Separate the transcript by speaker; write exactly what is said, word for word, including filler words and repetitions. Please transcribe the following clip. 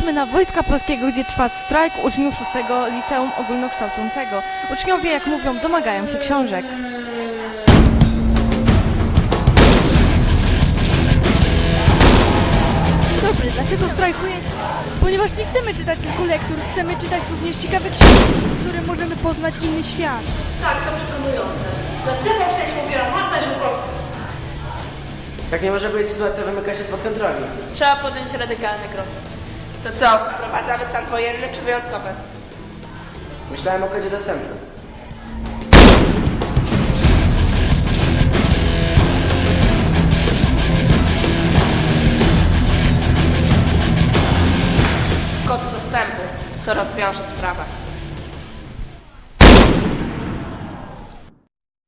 Speaker 1: Jesteśmy na Wojska Polskiego, gdzie trwa strajk uczniów szóstego Liceum Ogólnokształcącego. Uczniowie, jak mówią, domagają się książek. Dzień dobry, dlaczego strajkujecie?
Speaker 2: Ponieważ nie chcemy czytać tylko lektur, chcemy czytać również ciekawe książki, w których możemy poznać inny świat.
Speaker 3: Tak, to przekonujące. Za T V sześć mówiła Marta Ziółkowska.
Speaker 4: Tak nie może być, sytuacja wymyka się spod kontroli.
Speaker 3: Trzeba podjąć radykalny krok.
Speaker 5: To co, wprowadzamy stan wojenny czy wyjątkowy?
Speaker 4: Myślałem o kodzie dostępu.